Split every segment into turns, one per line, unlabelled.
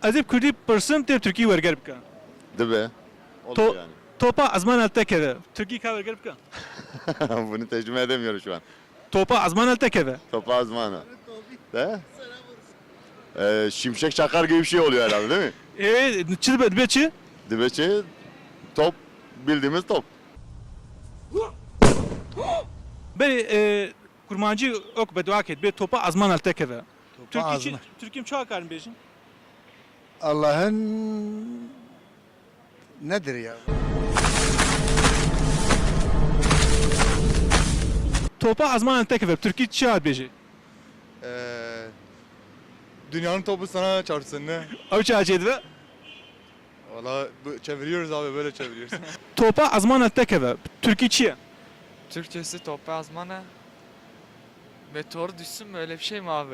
Ez ê Kurdî pirsim tê Tirkî werger bike.
Dibe.
To
Olur yani.
topa ezman tekeve. Tirkî ka werger bike.
Bunu tercüme edemiyorum şu an.
Topa ezman tekeve.
Topa azmana. De? Şimşek çakar gibi bir şey oluyor herhalde değil mi?
Çi dibe çi?
Dibeçi top, bildiğimiz top.
Berê kurmancî ok bedua ket bê topa ezman tekeve. Türkiye
azman.
Türkiye çawa karin bêjin?
Allah'ın nedir ya?
Topa ezman tekeve. Türkiye çawa bêjî?
Dünyanın topu sana çarpsın ne?
Ew çawa çê dibe?
Valla çeviriyoruz abi böyle çeviriyoruz.
Topa ezman tekeve. Türkiye çi ye?
Türkçesi toprağı azmana. Meteor düşsün mü öyle bir şey mi abi?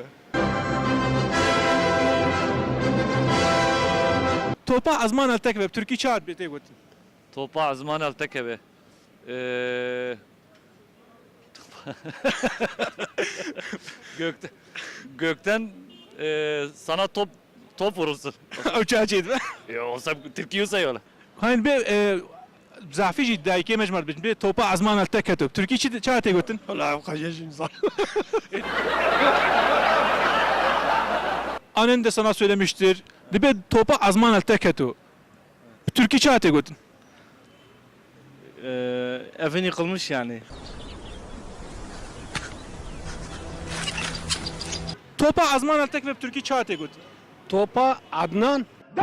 Topa ezman tekeve. Türkiye çawa bê gotin?
Topa azman altekebe. Gökten sana top vurulsun.
Ew çawa çê dibe?
Ya olsa Türkiye sayıyorlar.
Hayır be zafî jî dayîkê me ji me dibêjin bê topa ezman teketo. Türkiye çawa tê gotin?
Allah'ım kaç insan.
Annen de sana söylemiştir. Dibe topa ezman teketo. Türkiye çawa tê gotin?
Evin yıkılmış yani.
Topa ezman tekeve. Türkiye çawa tê gotin?
Topa Adnan.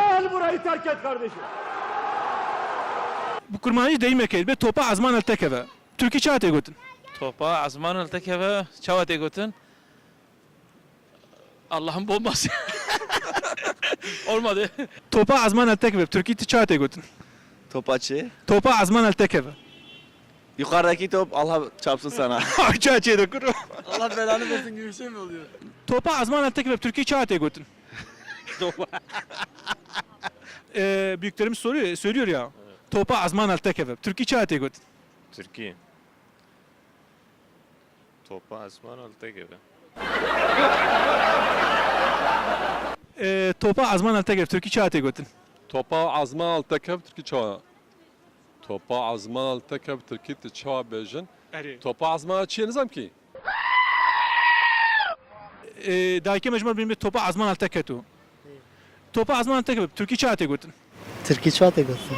Bu kurmancî deyîmek ê bê topa ezman tekeve. Türkiye çawa tê gotin?
Topa azman altekebe. Çava tegotin. Allah'ın bombası. Olmadı.
Topa ezman tekeve. Türkiye çawa tê gotin?
Topaçı.
Topa ezman tekeve.
Yukarıdaki top Allah çarpsın sana.
Ew çawa çê dikir?
Allah belanı versin gibi bir şey mi oluyor?
Topa ezman tekeve. Türkiye çawa tê gotin? Büyüklerimiz söylüyor ya. Topa ezman tekeve. Türkiye çawa tê gotin?
Türkiye. Topa asman alta gibi.
Topa ezman tekeve. Türkiye çawa tê gotin?
Topa azman altekeb Türkiye çawa. Topa azman altekeb Türkiye çawa bejin. Topa azman çiye nizam ki?
Dayîkê me ji me bêjin bê topa ezman teketo. Topa ezman tekeve. Türkiye çawa tê gotin?
Türkiye çawa tê gotin?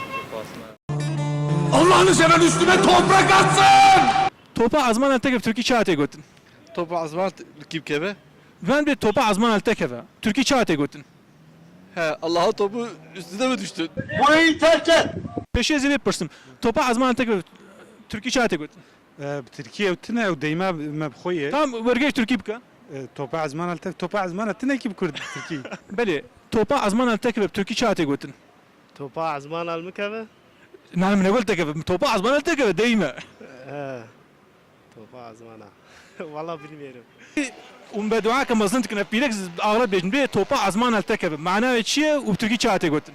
Topa ezman tekeve. Türkiye çawa tê gotin?
Topa azman rakip kebe.
Ben bê topa ezman tekeve. Türkiye çawa tê gotin?
He Allah'ın topu üstüne mi düştün?
Peşê zê pirsim. Topa ezman tekeve. Türkiye çawa tê gotin?
Türkiye tine ev deyme mebxoye.
Tam wergêj Türkiye bike.
Topa azman altek topa azman tine ki Kurd Türkiye.
Belê. Topa ezman tekeve. Türkiye çawa tê gotin?
Topa azman almikeve?
Nalim ne gol tekeve. Topa ezman tekeve deyme.
Topa azmana. Valla bilmiyorum.
بدعاء كما ظننت كنا في لكز اغلب بيجنبي توبا azman التكب معناه شيء وبتركي çağa gotin.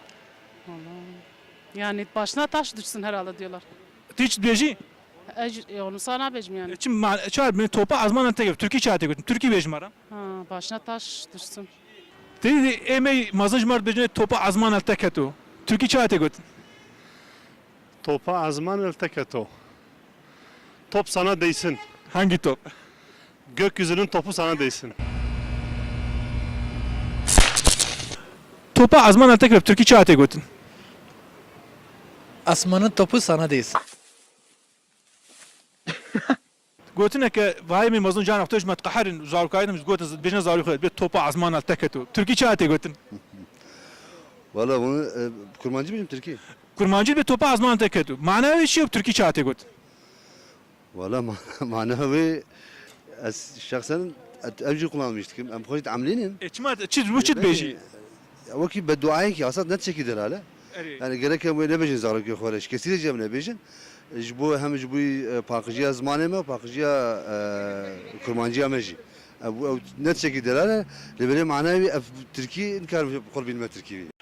Yani başına taş düşsün herhalde diyorlar.
Tiç beji.
Onu sana becim yani.
Çim çağır beni topa azman التكب Türkiye çağa gotin. Türkiye bejmara.
Ha, başına taş düşsün.
Dedi emey mazınj mar bejne topa azman التكتو. Türkiye çağa gotin.
Topa azman alteketo. Top sana değsin.
Hangi top?
Gökyüzünün topu sana değsin.
Topa azman التكب Türkiye çağa gotin.
Asmanın topu sana değsin.
Gotin ki vay mi mazınj can aftoş mat qaharin zarukaydım gotin bejne zarukaydım bir topa azman التكتو. Türkiye çağa gotin.
Valla bunu kurmancı mıyım Türkiye?
Kurmancı bir topa azman التكتو. Manavi şey Türkiye çağa gotin.
Valla manevi şahsen evci kullanmıştık. Em koyut amlinin.
Çima çiz bu çit beji.
Vaki bedduayı ki asad net şekilde hala. Yani gerek hem ne bejin zarok yok horeş. Kesile ne bejin. Bu hem bu pakıcıya zamanı mı pakıcıya kurmancıya meji. Bu net şekilde hala. Lebele manevi Türkiye inkar kol bilme Türkiye.